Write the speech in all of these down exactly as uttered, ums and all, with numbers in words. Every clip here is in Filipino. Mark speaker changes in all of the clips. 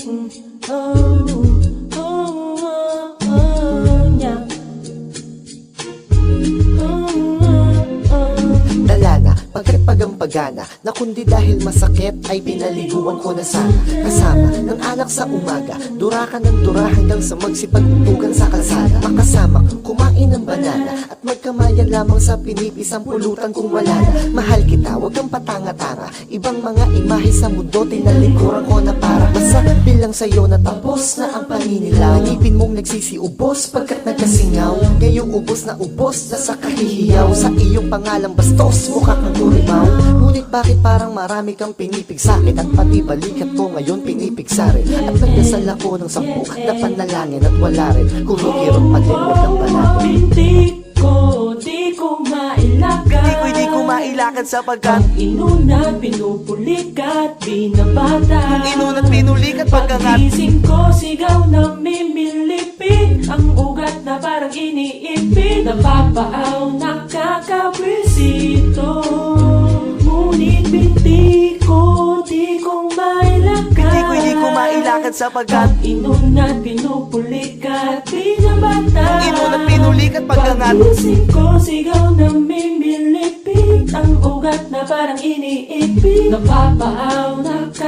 Speaker 1: Oh, oh, oh, oh, yeah.
Speaker 2: Dala na, pagkapagampagana na kundi dahil masakit ay pinaliguan ko na sana. Kasama ng anak sa umaga, dura ka ng dura hanggang sa magsipagtutugan sa kalsada. Makasama kumain ng banana at magkamayan lamang sa pinipisang pulutan kung wala na. Mahal kita, wag kang patanga-tanga. Ibang mga imahe sa mundo, tinalikuran ko na para basta bilang sa'yo na tapos na ang paninilaw. Ngipin mong nagsisiubos pagkat nagkasingaw. Ngayong ubos na ubos na sa kahihiyaw. Sa iyong pangalang bastos, mukha kang kurimaw. Ngunit bakit parang marami kang pinipig sa'kin at pati balikat ko ngayon pinipig sa rin. At nagdasal ako ng sampu na panalangin at wala rin kumikirot pa din, wag kang banagin.
Speaker 1: Hindi ko, di ko mailakad.
Speaker 3: Di ko, di ko mailakad sapagkat
Speaker 1: Ang inuna, pinupulikat, binabata.
Speaker 3: Ang inuna't pinulikat pagkangat
Speaker 1: Pagising ko, sigaw na mimilipit. Ang ugat na parang iniipit. Napapaaw, nakakabwisito. Ngunit binti ko, di ko mailakad.
Speaker 3: Di ko, di ko mailakad sapagkat
Speaker 1: Ang inuna't pinupulikat, binabata.
Speaker 3: Ang inuna't pinulikat pagkangat
Speaker 1: Pagising ko, sigaw na mimilipit. Ang ugat na parang iniipit. Napapaaw,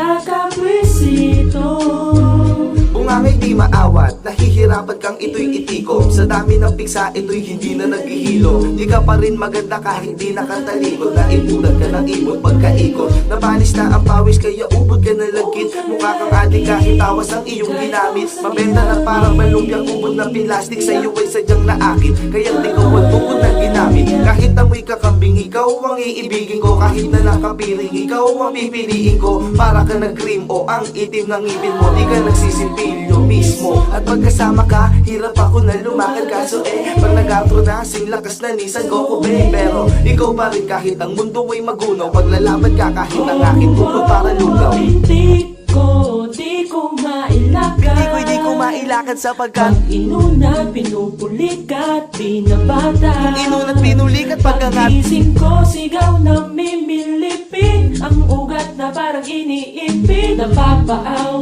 Speaker 1: nakakabwisito.
Speaker 3: Bungangay di maawat, nahihirapan kang ito'y itikom. Sa dami ng piksa, ito'y hindi na naghihilo. Di ka pa rin maganda kahit di nakantalikod. Naibulan ka ng ibon pagkaikot. Nabanis na ang pawis kaya ubod ka na lagkit. Mukha kang adik kahit tawas ang iyong ginamit. Mabenta na parang malumpiang ubod ng pilastik. Sa'yo ay sadyang naakit, kaya di ko ang tukod na ginamit. Kahit amoy kakambing, ikaw ang iibigin ko. Kahit na nakapiring, ikaw ang pipiliin ko. Para ka nag-cream o ang itim ng ngipin mo. Di ka nagsisimpilyo mismo. At pagkasama ka, hirap ako na lumakad. Kaso eh, pag nag-outro na, sing lakas na Nissan Goku be. Pero ikaw pa rin kahit ang mundo ay magunaw. Paglalaban ka kahit ang aking tukod para lugaw.
Speaker 1: Hindi ko, di ko mailakad.
Speaker 3: Di ko, di ko mailakad sapagkat
Speaker 1: Ang inuna, pinupulikat, binabata.
Speaker 3: Ang inuna't pinulikat pagkangat
Speaker 1: Pagising ko, sigaw na mimilipit. Ang ugat na parang iniipit. Napapaaw,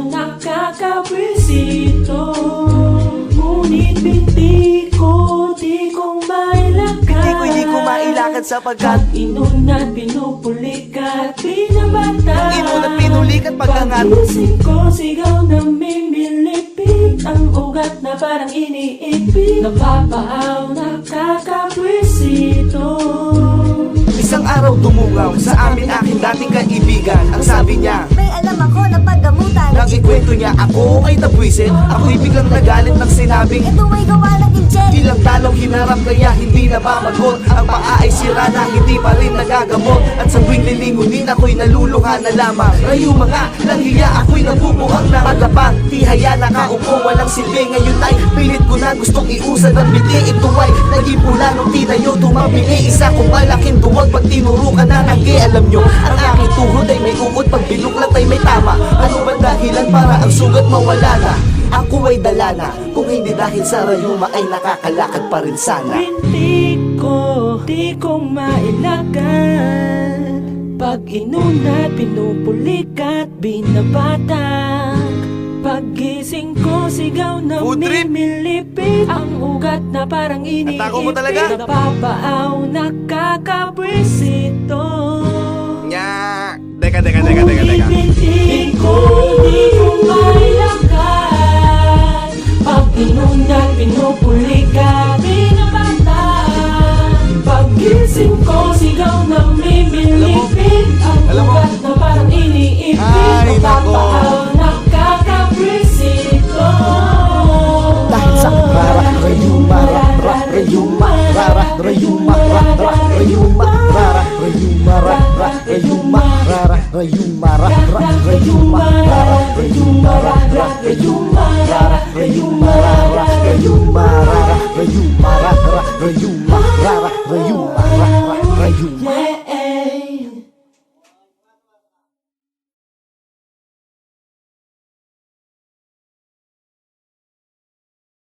Speaker 1: nakakabwisito. Ngunit binti ko, di ko mailakad.
Speaker 3: Di ko, di ko mailakad sapagkat
Speaker 1: Ang inuna't pinupulikat, binabata.
Speaker 3: Ang inuna't pinulikat pagkangat
Speaker 1: Pagising ko, sigaw na mimilipit. Ang ugat na parang iniipit. Napapaaw, nakakabwisito.
Speaker 3: Isang araw dumungaw sa amin aking dating kaibigan. Ang sabi niya,
Speaker 4: May alam ako na paggamutan.
Speaker 3: nang ikwento niya ako ay nabwisit. Ako'y biglang nagalit ng sinabing
Speaker 4: Ito ay gawa ng injen.
Speaker 3: ilang talong hinarap kaya hindi na mamagot. Ang paa ay sira na hindi pa rin nagagamot. At sa tuwing lilingunin ako'y naluluha na lamang. Rayo mga langhiya ako'y nabubuhang na matapang. Tihaya nakaupo walang silbi. Ngayon ay pilit ko na gustong iusad ang biti. Ito ay naging pula nung tinayo tumabili. Isa kong malaking duwag pag tinuro ka na nagi. Alam nyo ang aking tuhod ay may uod. Pag binuklat ay may tama. Ano ba dahilan para ang sugat mawala na? Ako ay dala na. Kung hindi dahil sa rayuma ay nakakalakad pa rin sana.
Speaker 1: Hindi ko, di ko mailakad. Pag inuna, pinupulikat, binabatak. Pagising ko, sigaw na
Speaker 3: Food trip?
Speaker 1: mimilipit. Ang ugat na parang iniipit.
Speaker 3: Atako mo talaga?
Speaker 1: Napapaaw, nakakabwisito.
Speaker 3: Nya. Teka, teka, teka, teka, teka.
Speaker 1: Hindi ko, di ko mailakad. Pag inuna, pinupulikat, binabatak. Pagising ko, sigaw na mimilipit. Ang
Speaker 3: Alam mo?
Speaker 1: ugat na parang iniipit.
Speaker 3: Ay, nako.
Speaker 1: Napapaaw, nakakabwisito.
Speaker 2: Dahil sa rara, rayuma, rara, rayuma, rara, rayuma, rara, rayuma, rara, rayuma, rara, rayuma, rara, rayuma, rara, rayuma, rara, rayuma, rara, rayuma, rara, rayuma, rara, rayuma, rara, rayuma, rara, rayuma.